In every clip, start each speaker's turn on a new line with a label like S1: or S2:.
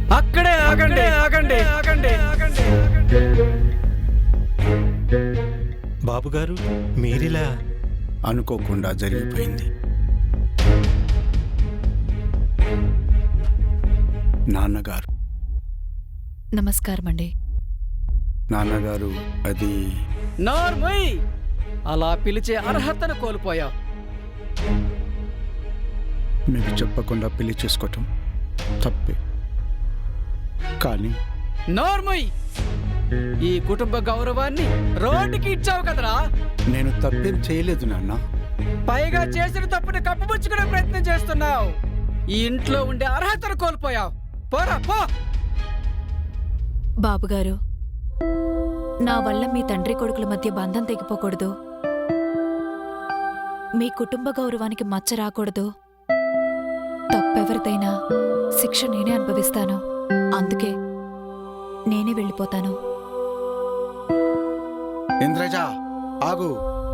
S1: అక్కడే ఆగండి ఆగండి ఆగండి ఆగండి.
S2: బాబుగారు మీరిలా
S3: అనుకోకుండా జరిగిపోయింది. నాన్నగారు
S4: నమస్కారం అండి.
S3: నాన్నగారు అది
S1: నోర్మయ్, అలా పిలిచే అర్హతను కోల్పోయావు.
S3: మీకు చెప్పకుండా పెళ్లి చేసుకోవటం తప్పే. కానీ
S1: నోర్మయ్, ఈ కుటుంబ గౌరవాన్ని రోడ్డుకి ఇచ్చావు కదరా.
S3: నేను తప్పేం చేయలేదు నాన్న.
S1: పైగా చేసిన తప్పుని కప్పుపుచ్చుకునే ప్రయత్నం చేస్తున్నావు. ఈ ఇంట్లో ఉండే అర్హతను కోల్పోయావు. పోరా పో.
S4: బాబుగారు, నా వల్ల మీ తండ్రి కొడుకుల మధ్య బంధం తెగిపోకూడదు, మీ కుటుంబ గౌరవానికి మచ్చ రాకూడదు. తప్పెవరిదైనా శిక్ష నేనే అనుభవిస్తాను. అందుకే నేనే వెళ్ళిపోతాను.
S3: ఇంద్రజ ఆగు.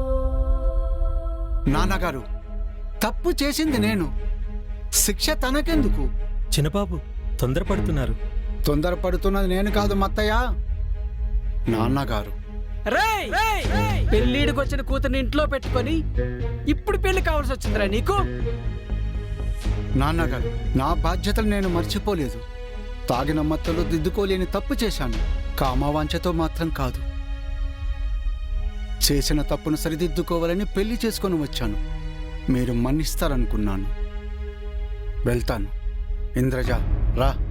S3: నాన్నగారు తప్పు చేసింది నేను, శిక్ష తనకెందుకు?
S2: చిన్నబాబు తొందరపడుతున్నారు.
S3: తొందరపడుతున్నది నేను కాదు మత్తయ్య, నాన్నగారు.
S1: రేయ్, పెళ్ళిడికి వచ్చిన కూతుర్ని ఇంట్లో పెట్టుకొని ఇప్పుడు పెళ్లి కావాల్సి వచ్చిందిరా నీకు?
S3: నాన్నగారు, నా బాధ్యతలు నేను మర్చిపోలేదు. తాగిన మత్తులో దిద్దుకోలేని తప్పు చేశాను. కామవాంఛతో మాత్రం కాదు. చేసిన తప్పును సరిదిద్దుకోవాలని పెళ్లి చేసుకొని వచ్చాను. మీరు మన్నిస్తారనుకున్నాను. వెళ్తాను. ఇంద్రజ రా.